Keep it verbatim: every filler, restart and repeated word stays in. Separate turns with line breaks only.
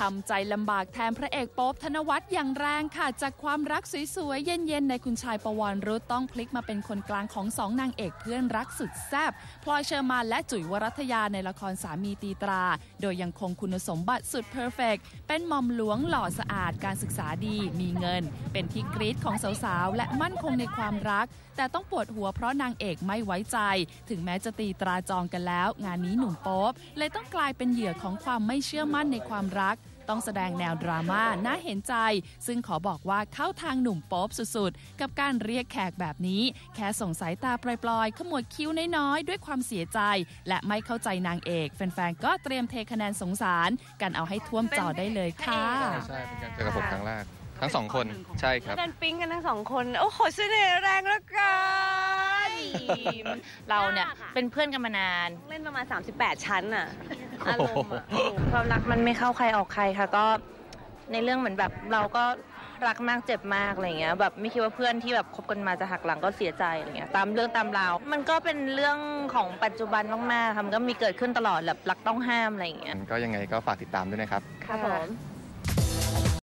ำใจลำบากแทนพระเอกโป๊ปธนวัฒน์อย่างแรงค่ะจากความรักสวยๆเย็นๆในคุณชายปวรรุตต้องพลิกมาเป็นคนกลางของสองนางเอกเพื่อนรักสุดแซ่บพลอยเชอร์มานและจุ๋ยวรัตยาในละครสามีตีตราโดยยังคงคุณสมบัติสุดเพอร์เฟกต์เป็นหม่อมหลวงหล่อสะอาดการศึกษาดีมีเงินเป็นที่กรี๊ดของสาวๆและมั่นคงในความรักแต่ต้องปวดหัวเพราะนางเอกไม่ไว้ใจถึงแม้จะตีตราจองกันแล้วงานนี้หนุ่มโป๊ปเลยต้องกลายเป็นเหยื่อของความไม่เชื่อมั่นในความรักต้องแสดงแนวดราม่าน่าเห็นใจซึ่งขอบอกว่าเข้าทางหนุ่มโป๊ปสุดๆกับการเรียกแขกแบบนี้แค่ส่งสายตาปลอยๆขมวดคิ้วน้อยๆด้วยความเสียใจและไม่เข้าใจนางเอกแฟนๆก็เตรียมเทคะแนนสงสารกันเอาให้ท่วมจอได้เลยค่ะ
ใช่เป็นการเจอกับผมครั้งแรกทั้งสองคนใช่ครับ
ดันปิ๊งกันทั้งสองคนโอ้โหเสน่ห์แรงแล้วกัน
เราเนี่ยเป็นเพื่อนกันมานาน
เล่นประมาณสามสิบแปดชั้นอะอารมณ์อะความรักมันไม่เข้าใครออกใครค่ะก็ในเรื่องเหมือนแบบเราก็รักมากเจ็บมากอะไรเงี้ยแบบไม่คิดว่าเพื่อนที่แบบคบกันมาจะหักหลังก็เสียใจอะไรเงี้ยตามเรื่องตามราวมันก็เป็นเรื่องของปัจจุบันมากๆค่ะมันก็มีเกิดขึ้นตลอดแบบรักต้องห้ามอะไรเงี้ย
ก็ยังไงก็ฝากติดตามด้วยนะครับ
ครับผม